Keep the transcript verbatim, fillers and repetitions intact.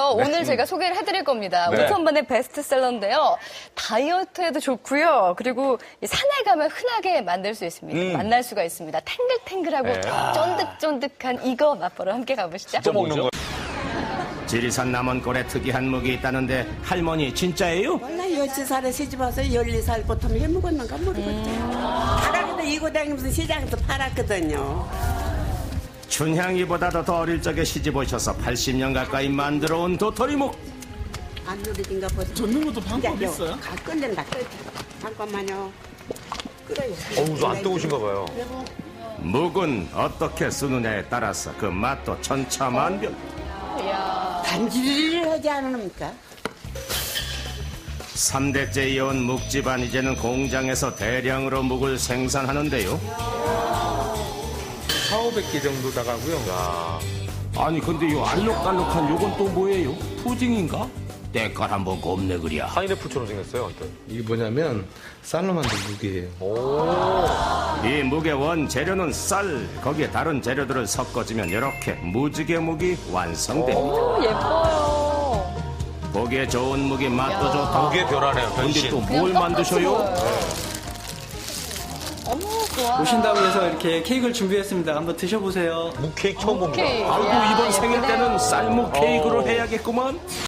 그래서 오늘 제가 소개를 해드릴 겁니다. 네. 오천만의 베스트셀러인데요. 다이어트에도 좋고요. 그리고 이 산에 가면 흔하게 만들 수 있습니다. 음. 만날 수가 있습니다. 탱글탱글하고 네. 쫀득쫀득한 이거 맛보러 함께 가보시죠. 진짜 먹는 거. 지리산 남원골에 특이한 무기 있다는데 할머니 진짜예요? 원래 열두 살에 시집 와서 열네 살부터 해먹었는가 모르겠어요. 바닥에도 이고 다니면서 시장에서 팔았거든요. 춘향이보다도 더 어릴 적에 시집 오셔서 팔십 년 가까이 만들어온 도토리묵. 안 누리진가 보죠. 젓는 것도 방법 있어요? 가 끓는다. 끓. 잠깐만요. 끓어요. 어우, 저 안 뜨거우신가 봐요. 묵은 어떻게 쓰느냐에 따라서 그 맛도 천차만별. 간질을 하지 않습니까? 삼 대째 이어온 묵집안 이제는 공장에서 대량으로 묵을 생산하는데요. 사오백 개 정도 나가고요. 아니 근데 요 알록달록한 요건 또 뭐예요? 푸딩인가? 때깔 한번 곱네 그랴. 파인애플처럼 생겼어요, 완전. 이게 뭐냐면 쌀로 만든 무게예요. 이 묵의 원재료는 쌀, 거기에 다른 재료들을 섞어주면 이렇게 무지개 묵이 완성됩니다. 오, 예뻐요. 보기에 좋은 묵이 맛도 좋다. 무게 변하네요, 근데 변신. 또 뭘 만드셔요? 어머, 좋아. 오신다고 해서 이렇게 케이크를 준비했습니다. 한번 드셔보세요. 무 케이크 처음 봅니다. 오케이. 아이고 야, 이번 생일 예쁘네요. 때는 쌀묵 케이크로 해야겠구만.